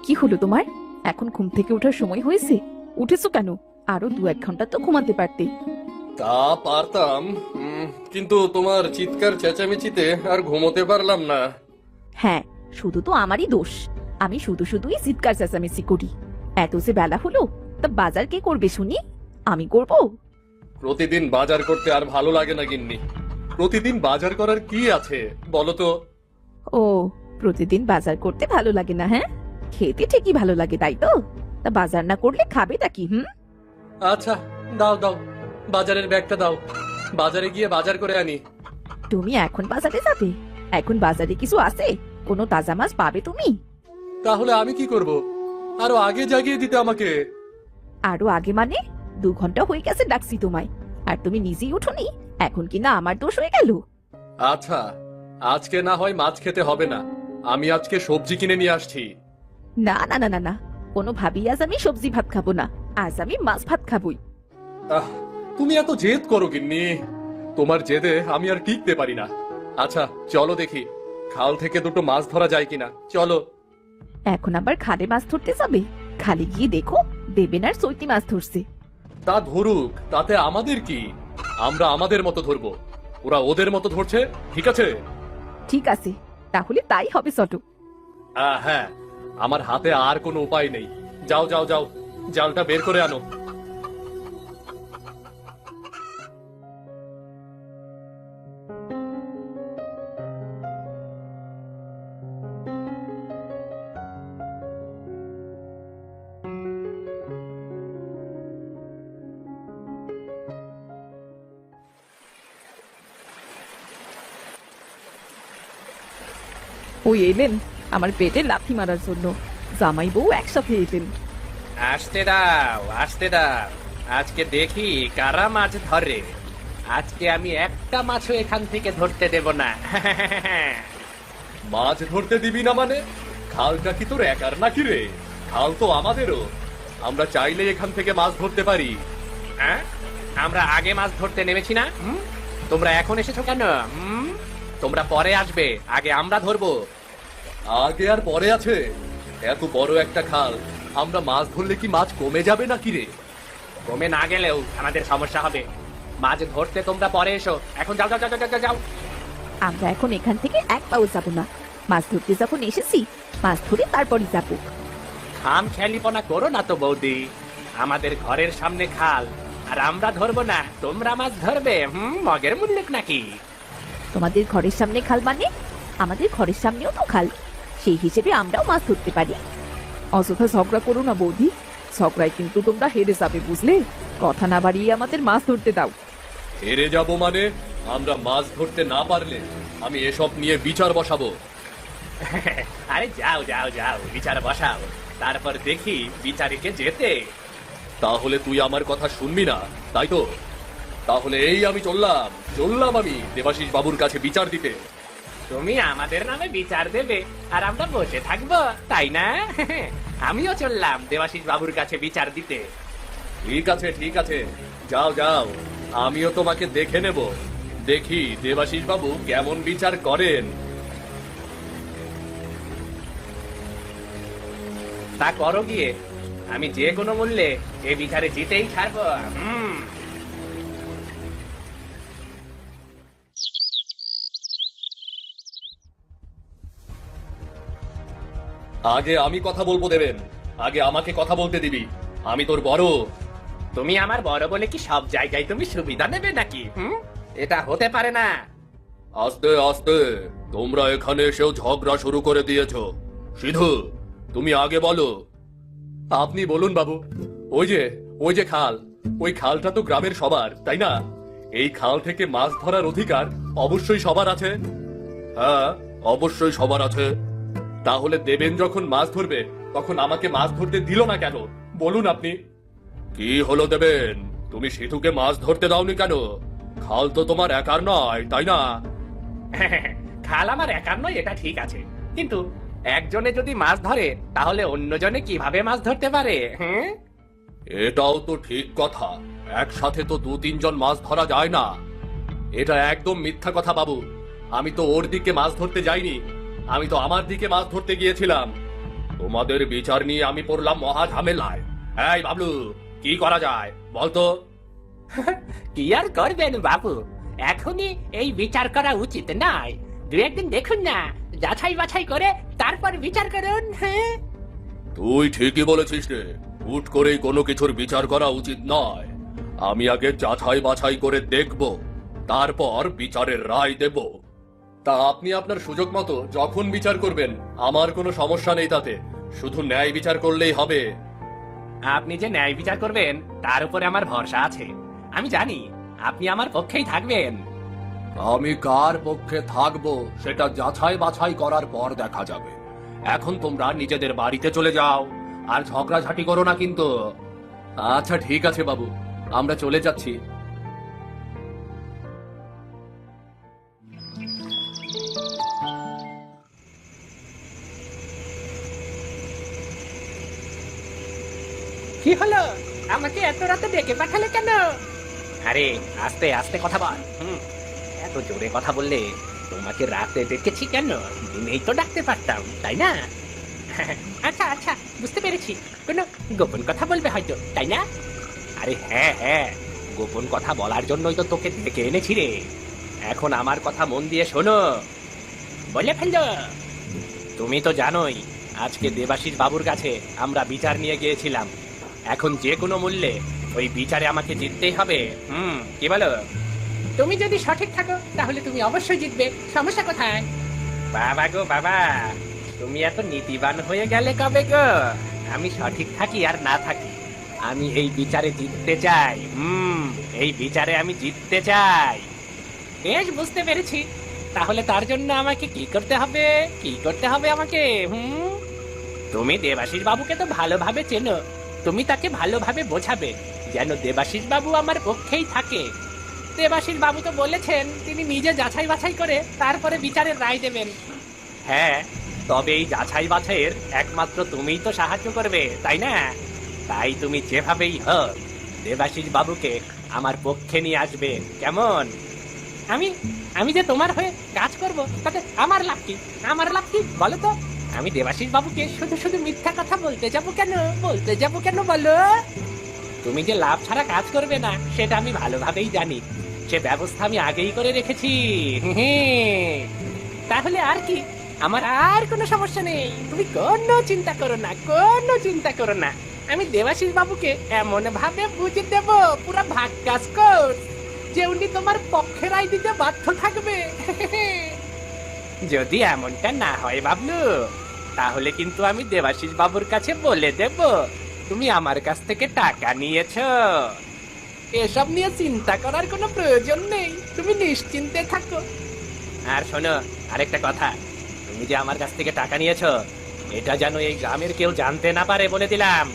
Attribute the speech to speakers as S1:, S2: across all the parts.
S1: কি হলো তোমার? এখন ঘুম থেকে ওঠার সময় হয়েছে? উঠেছো কেন? আরো 2-1 ঘন্টা তো ঘুমাতে পারতে।
S2: তা পারতাম, কিন্তু তোমার চিৎকার চেঁচামেচিতে আর ঘুমোতে পারলাম না।
S1: হ্যাঁ, শুধু তো আমারই দোষ। আমি শুধু শুধুই চিৎকার চেঁচামেচি করি। এত যে বেলা হলো, তা বাজার কে করবে শুনি? আমি করব?
S2: প্রতিদিন বাজার করতে আর ভালো লাগে না গিন্নি। প্রতিদিন বাজার করার কি আছে বলো তো?
S1: ও, প্রতিদিন বাজার করতে ভালো লাগে না? হ্যাঁ, খেতে ঠিকই ভালো লাগে, তাই তো? তা বাজার না করলে খাবেটা কি?
S2: আচ্ছা, দাও দাও, বাজারের ব্যাগটা দাও, বাজারে গিয়ে বাজার করে আনি।
S1: তুমি এখন বাজারে যাবে? এখন বাজারে কিছু আছে? কোনো তাজা মাছ পাবে তুমি?
S2: তাহলে আমি কি করব? আরো আগে জাগিয়ে দিতে আমাকে।
S1: আরো আগে মানে? 2 ঘন্টা হয়ে গেছে ডাকছি তোমায়, আর তুমি নিজেই উঠোনি। এখন কি না আমার দোষ হয়ে গেল?
S2: আচ্ছা, আজকে না হয় মাছ খেতে হবে না, আমি আজকে সবজি কিনে নিয়ে আসছি।
S1: না না না না না, কোনোভাবেই আজ আমি সবজি ভাত খাবো না। আজ আমি মাছ ভাত খাবোই।
S2: আহ, তুমি এত জেদ করো গিন্নি, তোমার জেদে আমি আর টিকতে পারি না। আচ্ছা চলো দেখি, খাল থেকে দুটো মাছ ধরা যায় কিনা, চলো।
S1: এখন আবার খালে মাছ ধরতে যাবে? খালে গিয়ে দেখো, দেবেন আর চৈতি মাছ ধরছে।
S2: তা ধরুক, তাতে আমাদের কি? আমরা আমাদের মতো ধরবো, ওরা ওদের মতো ধরছে, ঠিক আছে?
S1: ঠিক আছে, তাহলে তাই হবে চটো।
S2: হ্যাঁ, আমার হাতে আর কোনো উপায় নেই। যাও যাও যাও, জালটা বের করে আনো।
S1: ওই এলেন আমার পেটে লাথি মারার জন্য। জামাই বউ একসাথে এলেন।
S3: আসতে দাও, আসতে দাও। আজকে দেখি কারা মাছ ধরে। আজকে আমি একটা মাছও এখান থেকে ধরতে দেব না।
S2: মাছ ধরতে দিবি না মানে? খালটা কি তোর একার নাকি রে? খাল তো আমাদেরও, আমরা চাইলে এখান থেকে মাছ ধরতে পারি।
S3: হ্যাঁ? আমরা আগে মাছ ধরতে নেমেছি না? তোমরা এখন এসেছো কেন? তোমরা পরে আসবে, আগে আমরা ধরবো।
S2: আগে আর পরে আছে? এত বড় একটা খাল, আমরা মাছ ধরলে কি মাছ কমে যাবে নাকি রে?
S3: কমে না গেলেও আমাদের সমস্যা হবে। মাছ ধরতে তোমরা পরে এসো, এখন যাও যাও যাও যাও, যাও, যাও।
S1: আমরা এখন এখান থেকে এক পাও যাবো না। মাছ ধরতে যখন এসেছি, মাছ ধরে তারপরই যাবো।
S3: খাম খেয়ালিপনা করো না তো বৌদি। আমাদের ঘরের সামনে খাল, আর আমরা ধরবো না, তোমরা মাছ ধরবে? মগের মুল্লুক নাকি?
S1: তোমাদের ঘরের সামনে খাল মানে? আমাদের ঘরের সামনেও তো খাল, সেই হিসেবে আমরাও মাছ ধরতে পারি। অযথা ঝগড়া করো না বৌদি, ঝগড়ায় কিন্তু তোমরা হেরে যাবে, বুঝলে? কথা না বাড়িয়ে আমাদের মাছ ধরতে দাও।
S2: হেরে যাব মানে? আমরা মাছ ধরতে না পারলে আমি এসব নিয়ে বিচার বসাবো।
S3: আরে যাও যাও যাও, বিচার বসাও, তারপর দেখি বিচারিকে যেতে।
S2: তাহলে তুই আমার কথা শুনবি না, তাই তো? তাহলে এই আমি চললাম চললাম আমি দেবাশিস বাবুর কাছে বিচার দিতে।
S3: তুমি আমাদের নামে বিচার দেবে আর আমরা বসে থাকবো, তাই না? আমিও চললাম দেবাশিস বাবুর কাছে বিচার দিতে।
S2: ঠিক আছে ঠিক আছে, যাও যাও, আমিও তোমাকে দেখে নেব, দেখি দেবাশিস বাবু কেমন বিচার করেন।
S3: তা করো গিয়ে, আমি যে কোনো মূল্যে এ বিচারে জিতেই ছাড়বো।
S2: আগে আমি কথা বলবো দেবেন, আগে আমাকে কথা বলতে দিবি, আমি তোর বড়।
S3: তুমি আমার বড় বলে কি সব জায়গায় তুমি সুবিধা নেবে নাকি? এটা হতে পারে না।
S2: আস্তে আস্তে, তোমরা এখানে এসেও ঝগড়া শুরু করে দিয়েছো। সিধু, তুমি আগে বলো। আপনি বলুন বাবু। ওই যে খাল, ওই খালটা তো গ্রামের সবার, তাই না? এই খাল থেকে মাছ ধরার অধিকার অবশ্যই সবার আছে। হ্যাঁ, অবশ্যই সবার আছে। তাহলে দেবেন যখন মাছ ধরবে, তখন আমাকে মাছ ধরতে দিল না কেন বলুন আপনি? কি হলো দেবেন, তুমি সিধুকে মাছ ধরতে দাওনি কেন? খাল তো তোমার একার নয়, তাই না?
S3: খাল আমার একার নয়, এটা ঠিক আছে, কিন্তু একজনে যদি মাছ ধরে তাহলে অন্যজনে কিভাবে মাছ ধরতে পারে?
S2: এটাও তো ঠিক কথা, একসাথে তো 2-3 জন মাছ ধরা যায় না। এটা একদম মিথ্যা কথা বাবু, আমি তো ওর দিকে মাছ ধরতে যাইনি, আমি তো আমার দিকে মাছ ধরতে গিয়েছিলাম। তোমাদের বিচার নিয়ে আমি পড়লাম মহা ঝামেলায়। এই বাবলু, কি করা যায় বলতো?
S3: কি আর করবেন বাবু, এখনই এই বিচার করা উচিত নয়। দু একদিন দেখুন না, যাচাই বাছাই করে তারপর বিচার করুন। হ্যাঁ,
S2: তুই ঠিকই বলেছিস রে, হুট করেই কোনো কিছুর বিচার করা উচিত নয়। আমি আগে যাচাই বাছাই করে দেখব, তারপর বিচারের রায় দেব। তা আপনি আপনার সুযোগ মতো যখন বিচার করবেন, আমার কোনো সমস্যা নেই তাতে। শুধু ন্যায় বিচার করলেই হবে।
S3: আপনি যে ন্যায় বিচার করবেন তার উপরে আমার ভরসা আছে। আমি জানি আপনি আমার পক্ষেই থাকবেন।
S2: আমি কার পক্ষে থাকবো সেটা যাচাই বাছাই করার পর দেখা যাবে। এখন তোমরা নিজেদের বাড়িতে চলে যাও, আর ঝগড়াঝাটি করো না কিন্তু। আচ্ছা ঠিক আছে বাবু, আমরা চলে যাচ্ছি।
S3: কি হলো, আমাকে এত রাতে ডেকে পাঠালে কেন? আরে আস্তে আস্তে কথা বল। এত জোরে কথা বললে তোমাকে রাতে ডেকেছি কেন? দিনেই তো ডাকতে পারতাম, তাই না? আচ্ছা আচ্ছা, বুঝতে পেরেছি। কোনো গোপন কথা বলবে হয়তো, তাই না? আরে হ্যাঁ হ্যাঁ, গোপন কথা বলার জন্যই তো তোকে ডেকে এনেছি রে। এখন আমার কথা মন দিয়ে শোনো, বলে ফেললো। তুমি তো জানোই আজকে দেবাশিস বাবুর কাছে আমরা বিচার নিয়ে গিয়েছিলাম। এখন যে কোনো মূল্যে ওই বিচারে আমাকে জিততেই হবে। কি বলো? তুমি যদি সঠিক থাকো তাহলে তুমি অবশ্যই জিতবে, সমস্যা কোথায়? বাবা গো বাবা, তুমি এত নীতিবান হয়ে গেলে কবে গো? আমি সঠিক থাকি আর না থাকি, আমি এই বিচারে জিততে চাই। এই বিচারে আমি জিততে চাই। বেশ, বুঝতে পেরেছি। তাহলে তার জন্য আমাকে কি করতে হবে? কি করতে হবে আমাকে? তুমি দেবাশিস বাবুকে তো ভালোভাবে চেনো। তুমি তাকে ভালোভাবে বোঝাবে যেন দেবাশিস বাবু আমার পক্ষেই থাকে। দেবাশিস বাবু তো বলেছেন তিনি নিজে যাচাই বাছাই করে তারপরে বিচারের রায় দেবেন। হ্যাঁ, তবে এই যাচাই বাছাইয়ের একমাত্র তুমিই তো সাহায্য করবে, তাই না? তাই তুমি যেভাবেই হোক দেবাশিস বাবুকে আমার পক্ষে নিয়ে আসবে, কেমন? আমি যে তোমার হয়ে কাজ করব তাতে আমার লাভ কি? আমার লাভ কি বলো তো? আমি দেবাশিস বাবুকে শুধু শুধু মিথ্যা কথা বলতে যাব কেন বলো? তুমি যে লাভ ছাড়া কাজ করবে না সেটা আমি ভালোভাবেই জানি। সে ব্যবস্থা আমি আগেই করে রেখেছি। তাহলে আর কি, আমার আর কোনো সমস্যা নেই। তুমি কোনো চিন্তা করো না। আমি দেবাশিস বাবুকে এমন ভাবে বুঝে দেব, পুরো ভাগ্যাস কোর্স, যে উনি তোমার পক্ষে রায় দিতে বাধ্য থাকবে। যদি এমনটা না হয় বাবলু, তাহলে কিন্তু আমি দেবাশিস বাবুর কাছে বলে দেব তুমি আমার কাছ থেকে টাকা নিয়েছো। এসব নিয়ে চিন্তা করার কোনো প্রয়োজন নেই, তুমি নিশ্চিন্তে থাকো। আর শোনো, আরেকটা কথা, তুমি যে আমার কাছ থেকে টাকা নিয়েছো এটা যেন এই গ্রামের কেউ জানতে না পারে, বলে দিলাম।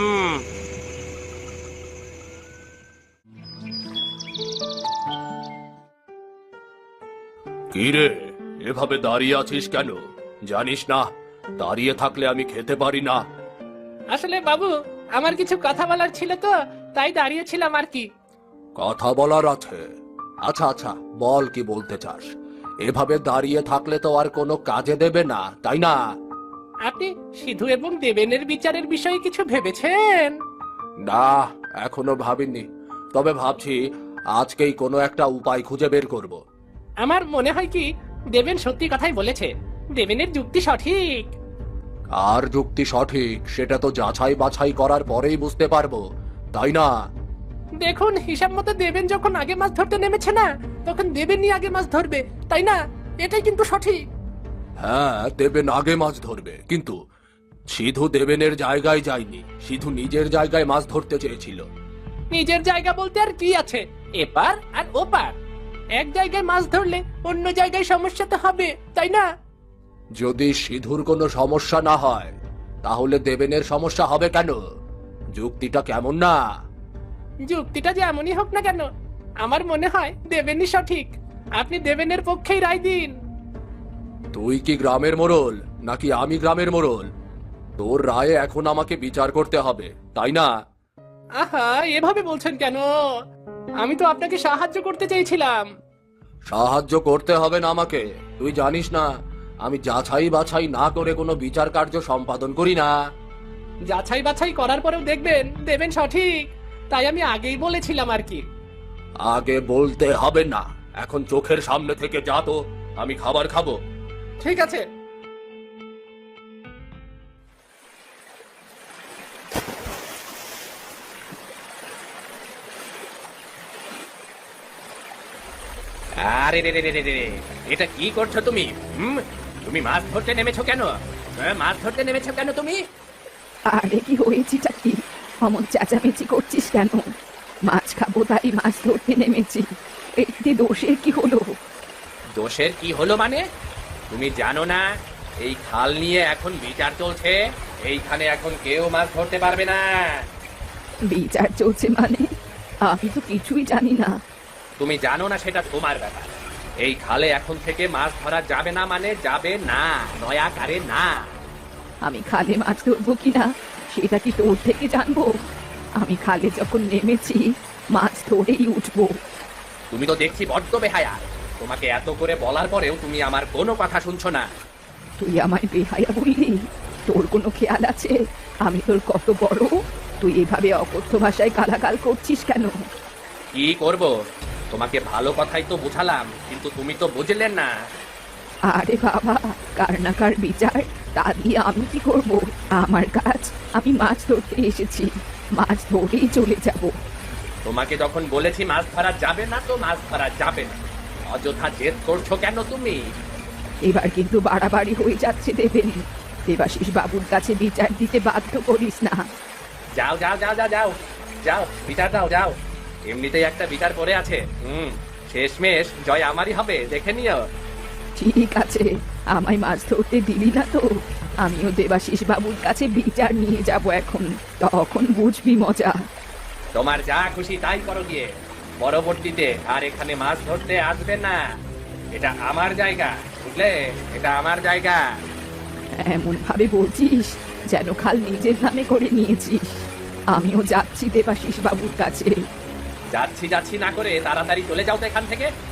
S2: কি রে, এভাবে দাঁড়িয়ে আছিস কেন? জানিস না দাঁড়িয়ে থাকলে আমি খেতে পারি না?
S3: আসলে বাবু, আমার কিছু কথা বলার ছিল তো, তাই দাঁড়িয়েছিলাম আর কি।
S2: কথা বলার আছে? আচ্ছা আচ্ছা, বল কি বলতে চাস। এভাবে দাঁড়িয়ে থাকলে তো আর কোনো কাজে দেবে না, তাই না?
S3: আপনি সিধু এবং দেবেনের বিচারের বিষয়ে কিছু ভেবেছেন?
S2: না, এখনো ভাবিনি। তবে ভাবছি আজকেই কোনো একটা উপায় খুঁজে বের করব।
S3: আমার মনে হয় কি দেবেন সত্যি কথাই বলেছে, দেবেনের যুক্তি সঠিক।
S2: আর যুক্তি সঠিক সেটা তো যাচাই বাছাই করার পরেই বুঝতে পারবো, তাই না?
S3: দেখুন, হিসাব মতো দেবেন যখন আগে মাছ ধরতে নেমেছে না, তখন দেবেনই আগে মাছ ধরবে, তাই না? এটাই কিন্তু সঠিক।
S2: হ্যাঁ, দেবেন আগে মাছ ধরবে, কিন্তু সিধু দেবেনের জায়গায় যায়নি। সিধু নিজের জায়গায় মাছ ধরতে চেয়েছিল।
S3: নিজের জায়গা বলতে আর কি আছে, এপার আর ওপার। এক জায়গায় মাছ ধরলে অন্য জায়গায় সমস্যা তো হবে, তাই না?
S2: যদি সিধুর কোনো সমস্যা না হয় তাহলে দেবেনের সমস্যা হবে কেন? যুক্তিটা কেমন না?
S3: যুক্তিটা যেমনই হোক না কেন, আমার মনে হয় দেবেনই সঠিক। আপনি দেবেনের পক্ষেই রায় দিন।
S2: তুই কি গ্রামের মোড়ল নাকি আমি গ্রামের মোড়ল? তোর রায়ে এখন আমাকে বিচার করতে হবে, তাই না?
S3: আহা, এভাবে বলছেন কেন? আমি তো আপনাকে সাহায্য করতে চেয়েছিলাম।
S2: সাহায্য করতে হবে না আমাকে। তুই জানিস না আমি যাচাই বাছাই না করে কোনো বিচার কার্য সম্পাদন করি না।
S3: যাচাই বাছাই করার পরেও দেখবেন দেবেন সঠিক, তাই আমি আগেই বলেছিলাম আর কি।
S2: আগে বলতে হবে না, এখন চোখের সামনে থেকে যা তো, আমি খাবার খাবো।
S3: ঠিক আছে। আরে রে রে রে রে রে, এটা কি করছো তুমি? তুমি মাছ ধরতে নেমেছো কেন? মাছ ধরতে নেমেছো কেন তুমি?
S1: আরে কি হয়েছিটা কি? অমন চেঁচামেচি করছিস কেন? মাছ খাবো তাই মাছ ধরতে নেমেছি, এতে দোষের কি হলো?
S3: দোষের কি হলো মানে? তুমি জানো না এই খাল নিয়ে এখন বিচার চলছে, এইখানে এখন কেউ মাছ ধরতে পারবে না।
S1: বিচার চলছে মানে? আমি তো কিছুই জানি না।
S3: তুমি জানো না সেটা তোমার ব্যাপার। এই খালে এখন থেকে মাছ ধরা যাবে না মানে যাবে না, দয়াকারে না।
S1: আমি খালে মাছ ধরবো কিনা সেটা কি তোর থেকে জানবো? আমি খালে যখন নেমেছি মাছ ধরেই উঠবো।
S3: তুমি তো দেখছি বড্ড বেহায়া। তোমাকে এত করে বলার পরেও তুমি আমার কোনো কথা শুনছো না।
S1: তুই আমায় বেহায়া বললি? তোর কোনো খেয়াল আছে আমি তোর কত বড়? তুই এভাবে অকথ্য ভাষায় গালাগাল করছিস কেন?
S3: কি করব? তোমাকে ভালো কথাই তো বুঝালাম, কিন্তু তুমি তো বুঝলেন না।
S1: আরে বাবা, কার না কার বিচার, তা দিয়ে আমি কি করব? আমার কাজ, আমি মাছ ধরতে এসেছি, মাছ ধরেই চলে যাব।
S3: তোমাকে যখন বলেছি মাছ ধরা যাবে না তো মাছ ধরা যাবে না। অযথা জেদ করছো কেন তুমি?
S1: এবার কিন্তু বাড়াবাড়ি হয়ে যাচ্ছে দেবেন। দেবাশিস বাবুর কাছে বিচার দিতে বাধ্য করিস না।
S3: যাও যাও যাও যাও যাও যাও, বিচার দাও যাও। এমনিতেই একটা বিচার পড়ে আছে। শেষমেশ জয় আমারই হবে, দেখে নিও।
S1: ঠিক আছে, আমায় মাছ ধরতে দিলি না তো, আমিও দেবাশিস বাবুর কাছে বিচার নিয়ে যাব এখন, তখন বুঝবি মজা।
S3: তোমার যা খুশি তাই করো গিয়ে। পরবর্তীতে আর এখানে মাছ ধরতে আসবে না। এটা আমার জায়গা, বুঝলে? এটা আমার জায়গা।
S1: এমন ভাবে বলছিস যেন খাল নিজের নামে করে নিয়েছিস। আমিও যাচ্ছি দেবাশিস বাবুর কাছে।
S3: যাচ্ছি যাচ্ছি না করে তাড়াতাড়ি চলে যাও তো এখান থেকে।